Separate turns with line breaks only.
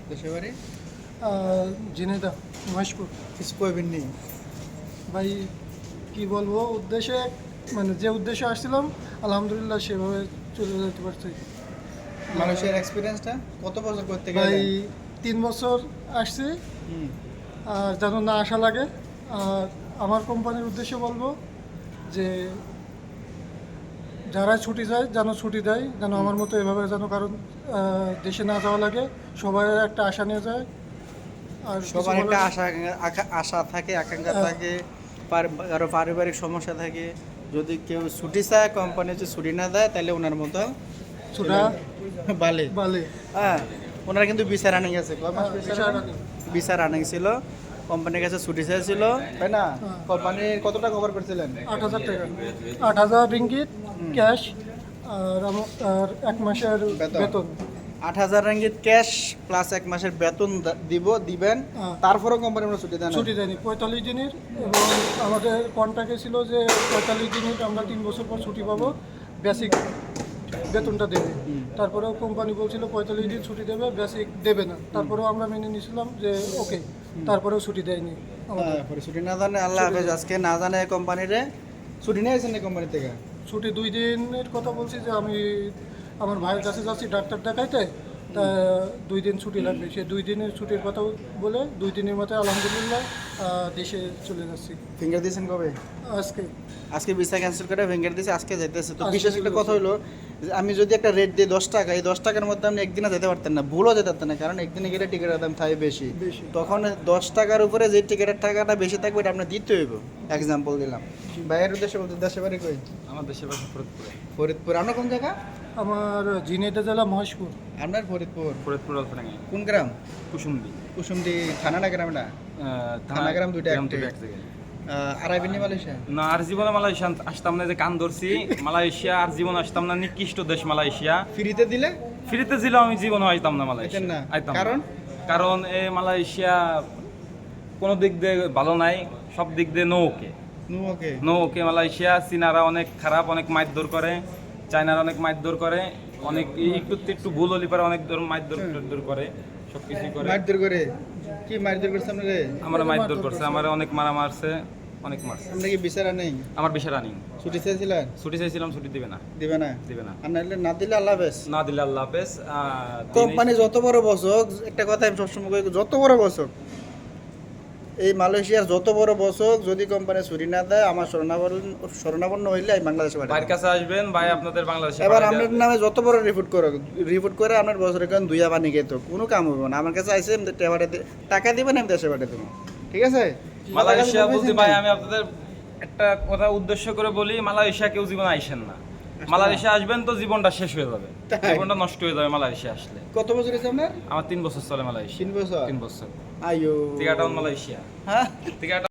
দেশের বাড়ি?
ঝিনাইদহ মহেশপুর।
কিছু কইবেন নেই?
ভাই কি বলবো, উদ্দেশ্যে মানে যে উদ্দেশ্যে আসছিলাম আলহামদুলিল্লাহ সেভাবে চলে যেতে পারছি।
মালয়েশিয়ার এক্সপিরিয়েন্সটা কত বছর করতে
ভাই
গেলেন?
3 বছর আসছি,
হুম।
আর যেন না আসা লাগে। আর আমার কোম্পানির উদ্দেশ্যে বলবো যে যারা ছুটি যায় যেন ছুটি দেয়, যেন আমার মতো এভাবে যেন কারণ দেশে না যাওয়া লাগে, সবাই একটা আশা নিয়ে যায়। আর কিছু
সবার একটা
বলার-
আশা থাকে, আকাঙ্ক্ষা
হ্যাঁ।
থাকে, কারো পারিবারিক সমস্যা থাকে। যদি কেউ ছুটি চায়, কোম্পানি যদি ছুটি না দেয়, তাহলে ওনার মতো
ছুটা
বালে।
বালে
হ্যাঁ, ওনারা কিন্তু ভিসা রানিং আছে। কয় মাস
visa
visa running?
running।
Visa running ছিল, কোম্পানির কাছে ছুটি চাইছিল, তাই না?
হ্যাঁ।
কোম্পানি কতটা কভার করছিলেন?
8,000 টাকা, 8,000 রিঙ্গিত ক্যাশ, আর 1 মাসের
বেতন।
বেতন।
8,000 রিঙ্গিত ক্যাশ প্লাস 1 মাসের বেতন দিবেন।
হ্যাঁ।
তারপরেও কোম্পানি আমরা ছুটি দেন না?
ছুটি দেয়নি 45 দিনের, এবং আমাদের কন্ট্রাক্টে ছিল যে 45 দিনের আমরা 3 বছর পর ছুটি পাবো, বেসিক বেতনটা দেবে। তারপরেও কোম্পানি বলছিল 45 দিন ছুটি দেবে, বেসিক দেবে না। তারপরেও আমরা মেনে নিয়েছিলাম যে ওকে, তারপরেও ছুটি দেয়নি আমাদের।
পরে ছুটি না জানে আল্লাহ হাফেজ। আজকে না জানে কোম্পানিরে ছুটি নিয়ে আসেন না কোম্পানি থেকে?
ছুটি 2 দিনের কথা বলছি, যে আমি আমার ভাইয়ের কাছে যাচ্ছি ডাক্তার দেখাইতে, তা 2 দিন ছুটি লাগবে। সে 2 দিনের ছুটির কথা বলে 2 দিনের মাথায় আলহামদুলিল্লাহ দেশে চলে যাচ্ছি
ফিঙ্গার দিয়েছেন কবে?
আজকে।
আজকে ভিসা ক্যান্সেল করে ফিঙ্গার দিয়েছে, আজকে যাইতেছে। তো
আজকে
বিশেষ একটা কথা হলো যে আমি যদি একটা রেট দিই 10 টাকা, এই 10 টাকার মধ্যে আপনি একদিনে যেতে পারতেন না, ভুলও যেতে পারতেন না, কারণ একদিনে গেলে টিকিটের দাম থাকে বেশি।
বেশি।
তখন 10 টাকার উপরে যে টিকিটের টাকাটা বেশি থাকবে এটা আপনার দিতে হইব। এক্সাম্পল দিলাম। বাইরের উদ্দেশ্যে বলতে দেশে বাড়ি কই?
আমার দেশের বাসা ফরিদপুরে।
ফরিদপুর। আপনার কোন জায়গা?
আমার ঝিনাইদহ জেলা মহেশপুর।
আপনার ফরিদপুর
ফরিদপুর অল্পডাঙ্গি
কোন গ্রাম?
কুসুমদি।
কুসুমডি থানা না গ্রাম? না থানা গ্রাম দুইটা
গ্রাম
একটাই।
দুটো এক জায়গায়।
আরাইবিনি মালয়েশিয়া?
না, আর জীবনে মালয়েশিয়া আসতাম না, যে কান ধরছি মালয়েশিয়া আর জীবন আসতাম না। নিকৃষ্ট দেশ মালয়েশিয়া।
ফ্রিতে দিলে
ফ্রিতে ছিল, আমি জীবনে আইতাম না মালয়েশিয়া।
আইতেন না?
আইতাম না।
কারণ?
কারণ এই মালয়েশিয়া কোনো দিক দিয়ে ভালো নাই, সব দিক দিয়ে no okay.
Okay.
No okay Malaysia. চীনারা অনেক খারাপ, অনেক মারধর করে। চায়নারা অনেক মারধর করে, অনেক একটু একটু ভুল হলি পারে অনেক মারধর করে, সব কিছুই করে।
মারধর করে? কি মারধর করছে আপনারে?
আমার মারধর করছে, আমার অনেক মারা মারছে, অনেক মারছে।
আমরা কি বিচারা নেই?
আমার বিষয় রানিং।
ছুটি চেয়েছিলেন?
ছুটি চাইছিলাম, ছুটি দিবে না।
দিবে না?
দিবে না।
আর নাহলে না দিলে আল্লাহ হাফেজ।
না দিলে আল্লাহ হাফেজ।
কোম্পানি যত বড় বসক, একটা কথা আমি সবসময় কই, যত বড় বসক, এই মালয়েশিয়ার যত বড় বসক, যদি কোম্পানি ছুটি না দেয়, আমার শরণাপন্ন হইলে আমি বাংলাদেশে পাঠাবো।
ভাইয়ের কাছে আসবেন, ভাই আপনাদের বাংলাদেশে
এবার
পাঠিয়ে
আপনার
দেবে।
নামে যত বড় রিপোর্ট করে আপনার বছরের কারণ 2 পানি খেত, কোনো কাম হবে না। আমার কাছে আইসে টাকা দিবেন, আমি দেশে পাঠিয়ে দেবো। ঠিক আছে?
মালয়েশিয়া বলতে ভাই আমি আপনাদের একটা কথা উদ্দেশ্য করে বলি, মালয়েশিয়া কেউ জীবনে আইসেন না। মালয়েশিয়া আসবেন তো জীবনটা শেষ হয়ে যাবে,
তাই?
জীবনটা নষ্ট হয়ে যাবে মালয়েশিয়া আসলে।
কত বছর হয়েছে আপনার?
আমার 3 বছর চলে মালয়েশিয়া।
3 বছর?
3 বছর।
আইয়ো।
টিকাটাউন মালয়েশিয়া।
হ্যাঁ।
টিকাটাউন